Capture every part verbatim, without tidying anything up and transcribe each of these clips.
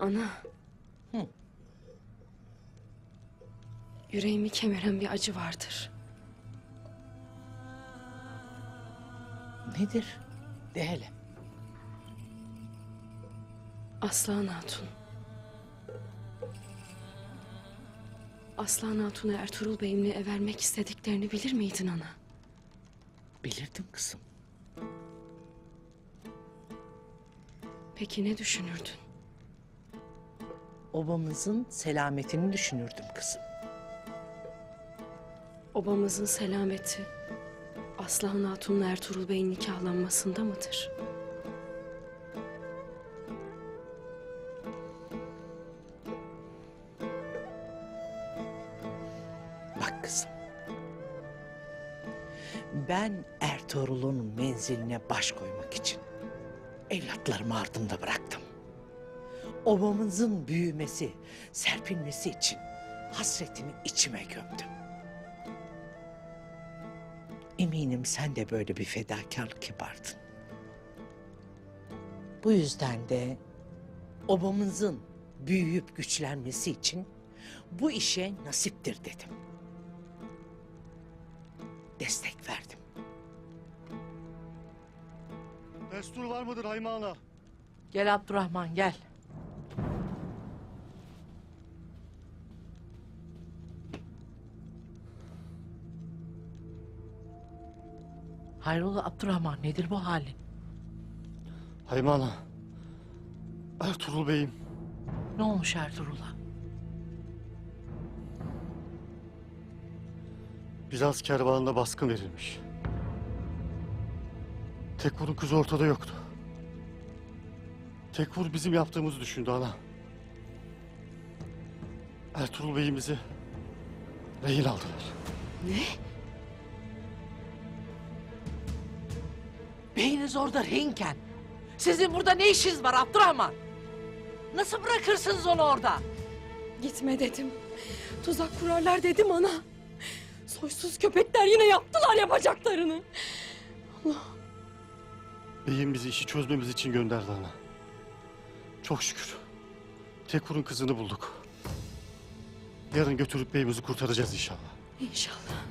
Ana. Hı. Yüreğimi kemiren bir acı vardır. Nedir? De hele. Aslan Hatun. Aslan Hatun'a Ertuğrul Bey'imle evermek istediklerini bilir miydin ana? Bilirdim kızım. Peki ne düşünürdün? Obamızın selametini düşünürdüm kızım. Obamızın selameti Aslan Hatun'la Ertuğrul Bey'in nikahlanmasında mıdır? Bak kızım. Ben Ertuğrul'un menziline baş koymak için evlatlarımı ardımda bıraktım. Obamızın büyümesi, serpilmesi için hasretimi içime gömdüm. Eminim sen de böyle bir fedakarlık yapardın. Bu yüzden de obamızın büyüyüp güçlenmesi için bu işe nasiptir dedim. Destek verdim. Destur var mıdır Hayme Ana? Gel Abdurrahman gel. Hayrola Abdurrahman, nedir bu halin? Hayme Ana. Ertuğrul Bey'im. Ne olmuş Ertuğrul'a? Bizans kervanına baskın verilmiş. Tekfur'un kızı ortada yoktu. Tekfur bizim yaptığımızı düşündü ana. Ertuğrul Bey'imizi rehin aldılar. Ne? Beyiniz orada rehinken sizin burada ne işiniz var Abdurrahman? Nasıl bırakırsınız onu orada? Gitme dedim. Tuzak kurarlar dedim ana. Soysuz köpekler yine yaptılar yapacaklarını. Beyim bizi işi çözmemiz için gönderdi ana. Çok şükür. Tekfur'un kızını bulduk. Yarın götürüp beyimizi kurtaracağız inşallah. İnşallah.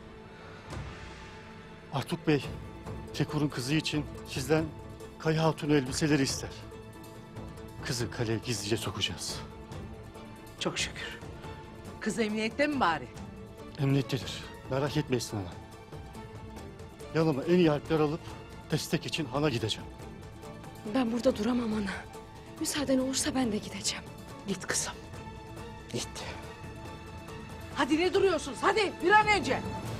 Artuk Bey, Tekfur'un kızı için sizden Kaya Hatun elbiseleri ister. Kızı kaleye gizlice sokacağız. Çok şükür. Kız emniyette mi bari? Emniyettedir. Merak etmeyin ana. Yanıma en iyi harpler alıp destek için hana gideceğim. Ben burada duramam ana. Müsaaden olursa ben de gideceğim. Git kızım. Git. Hadi ne duruyorsunuz? Hadi bir an önce.